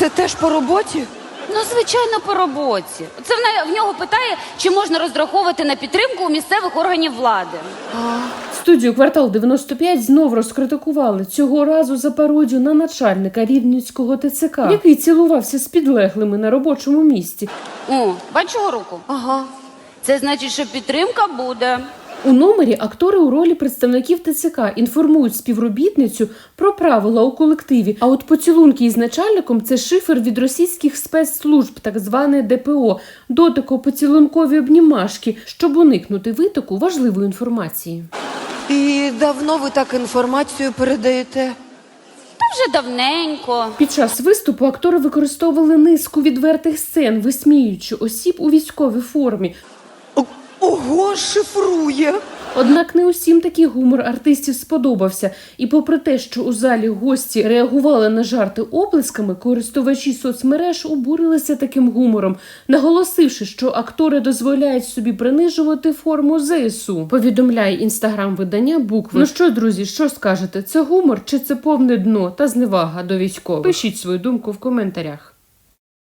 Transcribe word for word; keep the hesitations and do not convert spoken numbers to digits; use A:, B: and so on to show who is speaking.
A: Це теж по роботі?
B: Ну, звичайно, по роботі. Це в в нього питає, чи можна розраховувати на підтримку у місцевих органів влади.
C: Студію «Квартал дев'яносто п'ять» знов розкритикували, цього разу за пародію на начальника Рівненського ТЦК, який цілувався з підлеглими на робочому місці.
B: О, бачу руку?
A: Ага.
B: Це значить, що підтримка буде.
C: У номері актори у ролі представників ТЦК інформують співробітницю про правила у колективі, а от поцілунки із начальником – це шифр від російських спецслужб, так зване ДПО, дотико-поцілункові обнімашки, щоб уникнути витоку важливої інформації.
A: І давно ви так інформацію передаєте?
B: Та вже давненько.
C: Під час виступу актори використовували низку відвертих сцен, висміюючи осіб у військовій формі.
A: О- Ого, шифрує!
C: Однак не усім такий гумор артистів сподобався. І попри те, що у залі гості реагували на жарти оплесками, користувачі соцмереж обурилися таким гумором, наголосивши, що актори дозволяють собі принижувати форму ЗСУ. Повідомляє інстаграм-видання «Букви». Ну що, друзі, що скажете? Це гумор чи це повне дно та зневага до військових? Пишіть свою думку в коментарях.